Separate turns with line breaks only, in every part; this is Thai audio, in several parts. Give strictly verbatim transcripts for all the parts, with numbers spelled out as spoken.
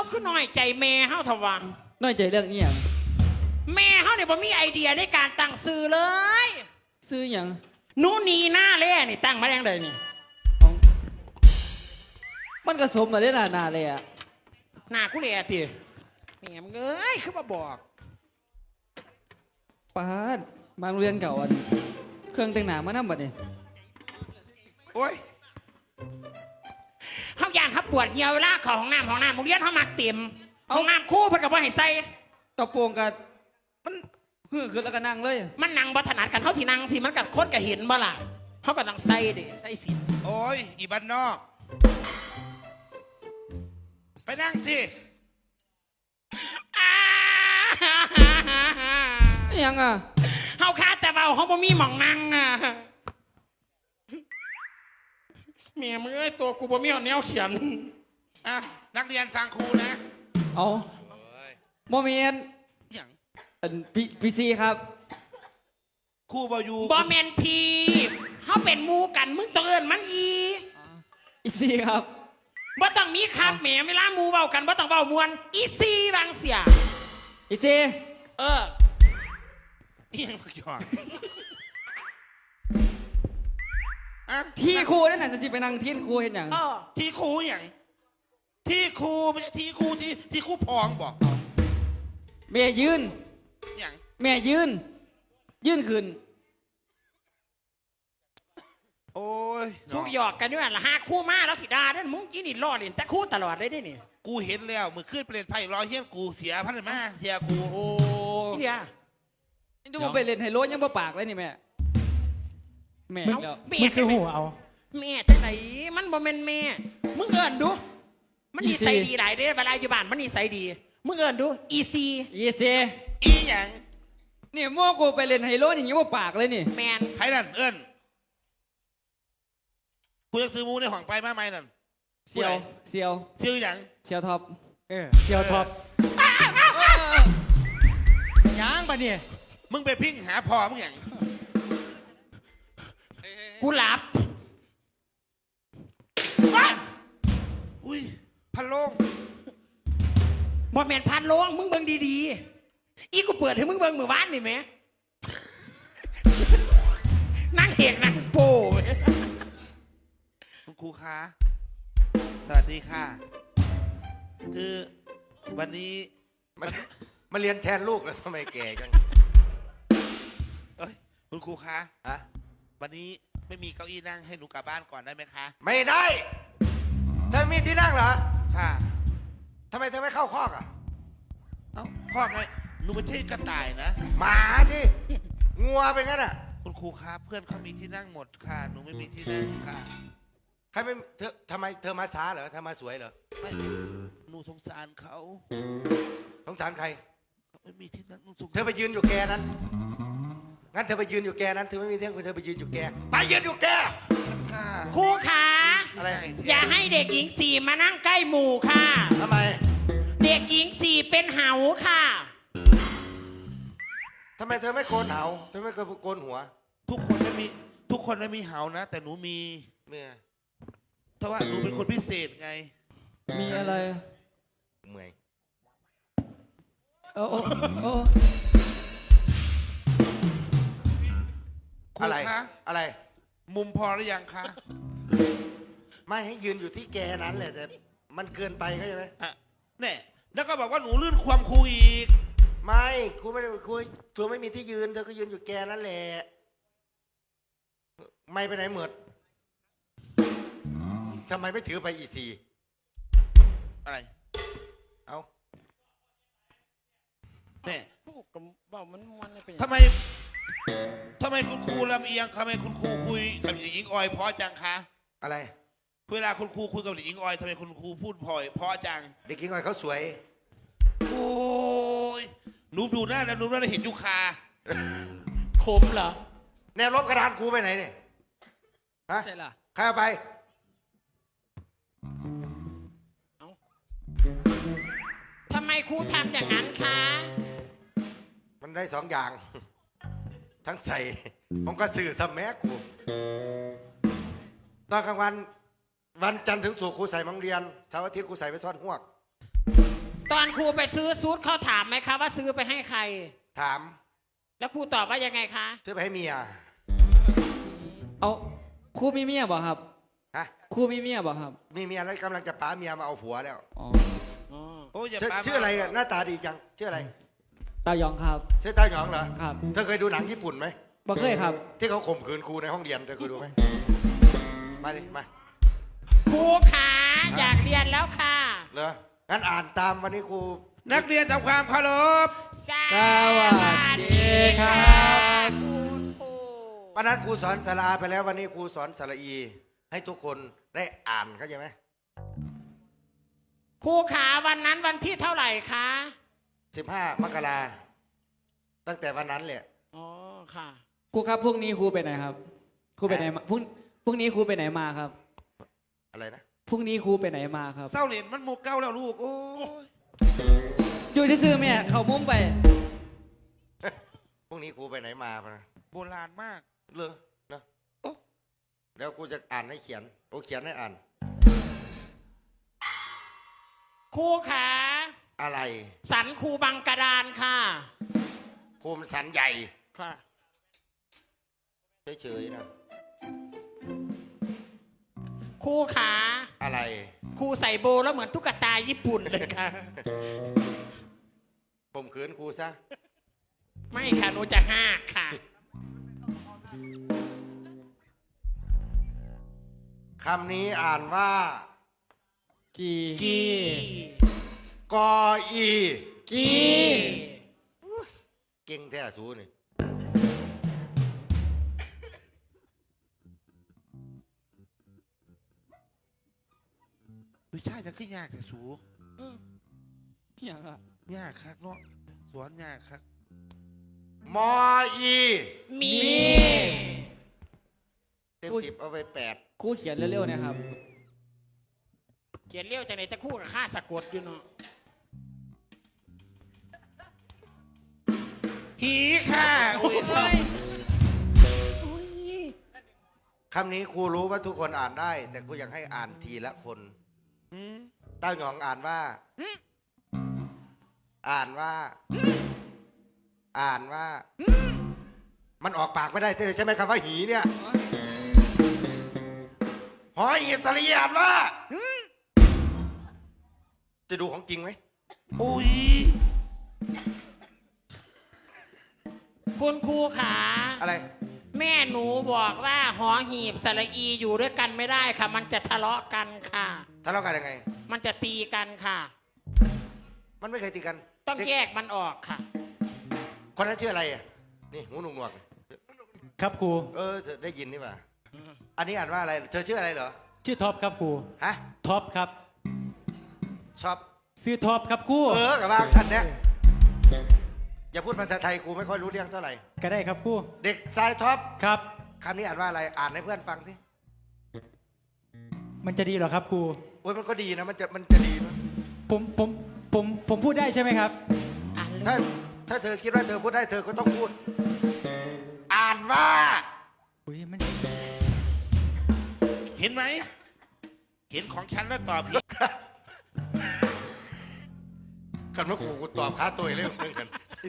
คือน้อยใจแม่เฮาทว่า
น้อยใจเรื่องนี้อย่าง
แม่เฮาเนี่ยบ่มีไอเดียในการตั้งซื้อเลย
ซื้ออย่าง
หนูนีหน้าแล่นี่ตั้งมาแรงเลยนี่
มันก็สมมาได้นานาเลยอะ
หน้ากูเลยอะทีแม่มึงเอ้ยคือมาบอก
ป้าดบางโรงเรียนเก่าอันเครื่องแต่งหน้ามานั่งบัดนี่
โอ้ย
เฮาย่านเฮาปวดเหี่ยวเวลาเข้าห้องน้ำห้องน้ำโรงเรียนเฮามักเต็มห้องน้ำคู่เพิ่นก็บ่ให้ใส่
กระโปรงกันมันฮือขึ้นแล้วก็นั่งเลย
มันนั่งบ่ถนัดกันเฮาสินั่งสิมันก็คนก็เห็นบ่ล่ะเฮาก็ต้องใส่ดิใส่สิ
โอ้ยอีบ้านนอกไปนั่งสิ
ยังอ่ะ
เฮาคาแต่เบาเฮาบ่มีหม่องนั่งอ่ะแม่มึงเอ้ยตัวกูบ่มีแนวเขียน
อ่ะนักเรียนฟังครูนะ
เอาโมเมนต์
อย่าง
พีพีซีครับ
ครูบอยู
บ่แมนพีเฮาเป็นหมู่กันมึงต้องเอิ้นมันอี
อีซีครับ
บ่ต้องมีครับแหมเวลาหมู่เว้ากันบ่ต้องเว้ามวนอีซีบางเสีย
อีซี
เออ
นี่ยังมาหยอก
ที่ครูนั่นน่ะจะสิไปนั่งที่ครูเห็นอย่าง
ที่ครูอย่างที่ครูไม่ใช่ที่ครูที่ที่ครูพองบอก
แม่ยืน
อย่าง
แม่ยืนยืนขึ้น
โอ้ย
สู้หยอกกันด้วยละห้าคู่มาแล้วสิดาเด้มึงกินนี่รอดเลยแต่คู่ตลอดเลยได้นี่
กูเห็นแล้วมือขึ้นเปลี่ยนไพ่รอยเฮี้ยนกูเสียพันมาเสียกู
โอ้
เดีย
นี่ดูไปเล่นไฮโลยังบ่ปากเลยนี่แม่แม่
แล้วมึงจะหัวเอาแม่จังไหนมันบ่แม่นแม่มึงเอิ้นดูมันนิสัยดีหลายเด้เวลาอยู่บ้านมันนิสัยดีมึงเอิ้นดูอีซี
อีซี
อีหยัง
นี่มั่วกูไปเล่นไฮโลอย่างนี้บ่ปากเลยนี่
แมน
ไพ่นั่นเอิ้นกูจะซื้อมูในห้องไปมาไหมนั่น
เซียวเซียว
เซียวอย่าง
เซียวท็อป
เออเซียวท็อปยังปะเนี่ย
มึงไปพิ้งหาพอมึงอย่าง
กูหลับ
อุ้ยพันโลง
บ่แมนพันโลงมึงเบิ่งดีๆอีกูเปิดให้มึงเบิ่งมือบ้านนี่ไหมนั่งเอกนั่งโป้
คุณครูคะสวัสดีค่ะคือวันนี้
มันมาเรียนแทนลูกแล้วทำไมแก่จัง
เอ้ยคุณครูคะ
ฮะ
วันนี้ไม่มีเก้าอี้นั่งให้หนูกลับบ้านก่อนได้ไหมคะ
ไม่ได้เธอมีที่นั่งเหรอ
ค่ะ
ทำไมเธอไม่เข้าคอกอ่ะ
เอ้าคอกไงหนูไม่ใช่กระต่ายนะ
หมาที่งัวเป็นงั้นอ่ะ
คุณครูครับเพื่อนเขามีที่นั่งหมดค่ะหนูไม่มีที่นั่งค่ะ
ใครไม่เธอทำไมเธอมาช้าเหรอเธอมาสวยเหรอ
ไม่หนูสงสารเขา
สงสารใคร
ไม่มีที่นั่ง
เธอไปยืนอยู่แกนั้นงั้นเธอไปยืนอยู่แกนั้นเธอไม่มีที่นั่งเธอไปยืนอยู่แกไปยืนอยู่แก
ครูขา
อะไร
อย่าให้เด็กหญิงสี่มานั่งใกล้หมู่ค่ะ
ทำไม
เด็กหญิงสี่เป็นเหาค่ะ
ทำไมเธอไม่โกนเหาเธอไม่เคยโกนหัว
ทุกคนไม่มีทุกคนไม่มีเหานะแต่หนูมี
เมีย
เพราะว่าหนูเป็นคนพิเศษไง
มีอะไร
เมื่อย
โอ้โอ้โอ้
อะไร
อะไร
มุมพอหรือยังคะ
ไม่ให้ยืนอยู่ที่แกนั้นแหละแต่มันเกินไปเข้าใจไหม
อ่ะเนี่ยแล้วก็บอกว่าหนูลื่นความครูอีก
ไม่ครูไม่ได้ครูเธอไม่มีที่ยืนเธอก็ยืนอยู่แกนั่นแหละไม่ไปไหนเหมือดทำไมไม่ถือไปอีซี
อะไร
เอา
เนี่ย
ท
ำไมทำไมคุณครูลำเอียงทำไมคุณครูคุยกับเด็กหญิงออยเพราะจังคะ
อะไร
เวลาคุณครูคุยกับเด็กหญิงออยทำไมคุณครูพูดพอยเพราะจัง
เด็กหญิงออยเขาสวย
โอ้ยหนูดูหน้าแล้วหนูน่าจะเห็นยุคา
คมเหรอ
แนวลบกระดานครูไปไหนเนี่ยฮะ
ใช่ล่ะ
ใครเอาไป
ทำไมครูทำอย่างนั้นคะ
มันได้สองอย่างทั้งใส่ผมก็สื่อสมัยกูตอนกลางวันวันจันทร์ถึงศุกร์ครูใส่มังเรียนเสาร์อาทิตย์ครูใส่ไปซ่อนหวก
ตอนครูไปซื้อซูทเขาถามไหมคะว่าซื้อไปให้ใคร
ถาม
แล้วครูตอบว่ายังไงคะ
ซื้อไปให้เมีย
เอาครูมีเมียบ่ครับ
ฮะ
ครูมีเมียบ่ครับ
มีเมียแล้วกำลังจะป้าเมียมาเอาผัวแล้ว
อ๋อ
โอ้ยอย่า
ชื่อ
ปา
ชื่ออะไรอะหน้าตาดีจังชื่ออะไร
ตาหยองครับ
ชื่อต้าหยองเหรอ
ครับ
เธอเคยดูหนังญี่ปุ่นไหม
บ่เคยครับ
ที่เขาข่มขืนครูในห้องเรียนเธอเคยดูไหมมาดิมา
ครูขาอยากเรียนแล้วค่ะ
เหรองั้นอ่านตามวันนี้ครู
นักเรียนทำความเคารพ
ส
วัสดีครับ
คุณครู
วันนั้นครูสอนสระอาไปแล้ววันนี้ครูสอนสระอี ให้ทุกคนได้อ่านเข้าใจไหม
ครูขาวันนั้นวันที่เท่าไหร่คะ
สิบห้ามกราตั้งแต่วันนั้นแหละ
อ๋อค่ะ
ครูครับพรุ่งนี้ครูไปไหนครับ ครูไปไหนมาพรุ่งพรุ่งนี้ครูไปไหนมาครับ
อะไรนะ
พรุ่งนี้ครูไปไหนมาครับ
เศร้าเหรียญมันหมูเก้าแล้วลูก โอ้ย
อยู่ที่ซื้อแม่เขามุ่งไป
พรุ่งนี้ครูไปไหนมาปะนะ
โบราณมาก
เลอนะโอ้แล้วครูจะอ่านให้เขียนโอ้เขียนให้อ่าน
ครูขา
อะไร
สันครูบังกระดานค่ะ
ครูมันสันใหญ่
ค่ะ
เฉยๆนะ
ครูขา
อะไร
ครูใส่โบแล้วเหมือนตุ๊กตาญี่ปุ่นเลยค่ะ
ผมขืนครูซะ
ไม่ค่ะหนูจะห้ากค่ะ
คำนี้อ่านว่า
กี
กี
กออี
กี
เก่งแท้สูนี่
วิชาจะขึ้นยากแต่สู
อย่างอะ
ยากคักเนาะสอนยากคัก
มออี
มี
เต็มสิบเอาไปแปด
ครูเขียนเร็วๆนะครับ
เขียนเลี้ยวจากไหนตะคู่กับข้าสะกดอยู่เนาะ
หีค่ะโอ้ย
เฮ้ยอุ๊ย
คำนี้ครูรู้ว่าทุกคนอ่านได้ แต่ครูอยากให้อ่านทีละคน
หืม
เต้าหยองอ่านว่า อ่านว่า อ่านว่า มันออกปากไม่ได้ใช่ไหมคำว่าหีเนี่ยหอยหีบสลีอ่านว่า จะดูของจริงไหม
โอ้ย
คุณครูขา
อะไร
แม่หนูบอกว่าหอหีบสระอีอยู่ด้วยกันไม่ได้ค่ะ มันจะทะเลาะกันค่ะ
ทะเลาะกันยังไง
มันจะตีกันค่ะ
มันไม่เคยตีกัน
ต้องแยกมันออกค่ะ
คนนั้นชื่ออะไรอ่ะ นี่หูหนวกหนวก
ครับครู
เออเธอได้ยินนี่ป่ะอันนี้อ่านว่าอะไร เธอชื่ออะไรเหรอ
ชื่อท็อปครับครู
ฮะ
ท็อปครับ
ชอบ
ซื้อท็อปครับครู
เออกับบางสันเนี่ยอย่าพูดภาษาไทยกูไม่ค่อยรู้เรื่องเท่าไหร่
ก็ได้ครับครู
เด็กชายท็อป
ครับ
คำนี้อ่านว่าอะไร อ่านให้เพื่อนฟังสิ
มันจะดีเหรอครับครู
โอ้ยมันก็ดีนะ มันจะมันจะดีนะ
ผมผมผมผมพูดได้ใช่ไหมครับ
อ่านเลย
ถ้าถ้าเธอคิดว่าเธอพูดได้เธอก็ต้องพูด อ่านว่า
อุ้ยมัน
เห็นไหม เห็นของฉันแล้วตอบผิด
กันว่าครูกูตอบค้าตัวเรื่องเรื่องกัน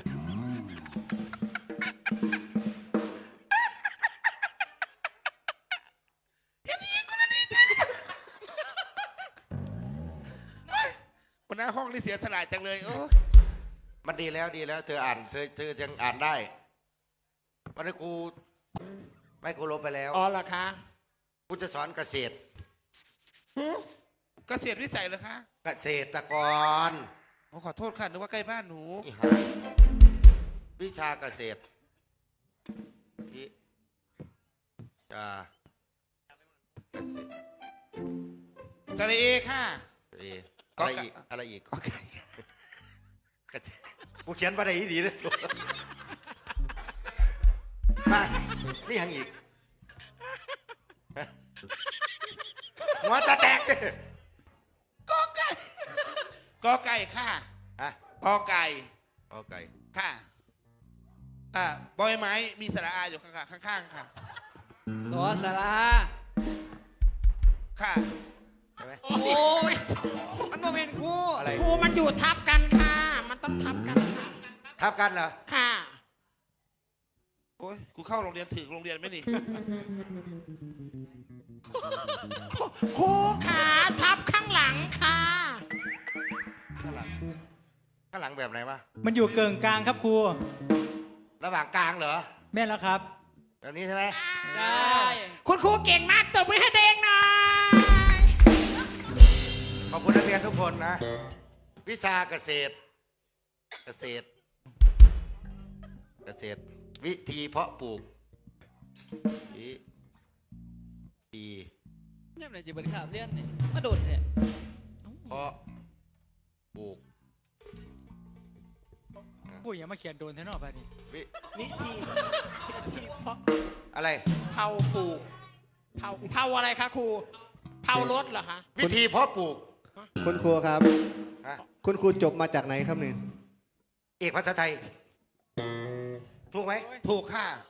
หัวหน้าห้องนี่เสียสละจังเลยโอ้ย
มันดีแล้วดีแล้ว เธออ่านเธอเธอยังอ่านได้วันนี้ครูไม่ครูลบไปแล้ว
อ๋อเหรอคะ
ครูจะสอนเกษตร
หือเกษตรวิสัยเหรอคะ
เกษตรกร
โอ้ขอโทษค่ะนึกว่าใกล้บ้านหนู
อีหาวิชาเกษตรวิชาเกษตร
สระเอค่ะ
เออะไรอีกอะไรอีก
ก็ไก่
เกษตรกูเขียนมาได้ดีนะตัวมานี่ยังอีกฮะหัวจะแตกเลย
ก็ไก่ก็ไก่ค่ะ
ฮะ
ก็ไก่
โอเค
ค่ะอ่าบอยไม้มีสระอาอยู่ข้างๆข้างๆค่ะ
สอสารา
ค่ะ
ใช่ไหม
โอ้ย
มันโมเมนต์ครู
อะไร
ครูมันอยู่ทับกันค่ะ มันต้องทับกันค่ะ
ทับกันเหรอ
ค่ะ
โอ้ยกูเข้าโรงเรียนถึงโรงเรียนไหมนี่
ครูขาทับข้างหลังค่ะ
ข้างหลังข้างหลังแบบไหนวะ
มันอยู่เกิงกลางครับครู
ระหว่างกลางเหรอ
แม่นแล้วครับ
แบบนี้ใช่ไหม
ใช่
คุณครูเก่งมากตบมือให้ตัวเองหน่อย
ขอบคุณนักเรียนทุกคนนะ วิชาเกษตร เกษตร เกษตร วิธีเพาะปลูกวิธี
เนี่ยไหนจีบันขาบเลี้ยนนี่มาโดดแท้
เพาะปลูก
ครูอย่ามาเขียนโดนเท่านอกไปดิ
วิ
วิธีวิธีเพาะ
อะไร
เผาปลูกเผาเผาอะไรคะครูเผารถเหรอคะ
วิธีเพาะปลูก
คุณครูครับ
ฮะ
คุณครูจบมาจากไหนครับเนี่ย
เอกภาษาไทย ถูกไหม
ถูกค่ะ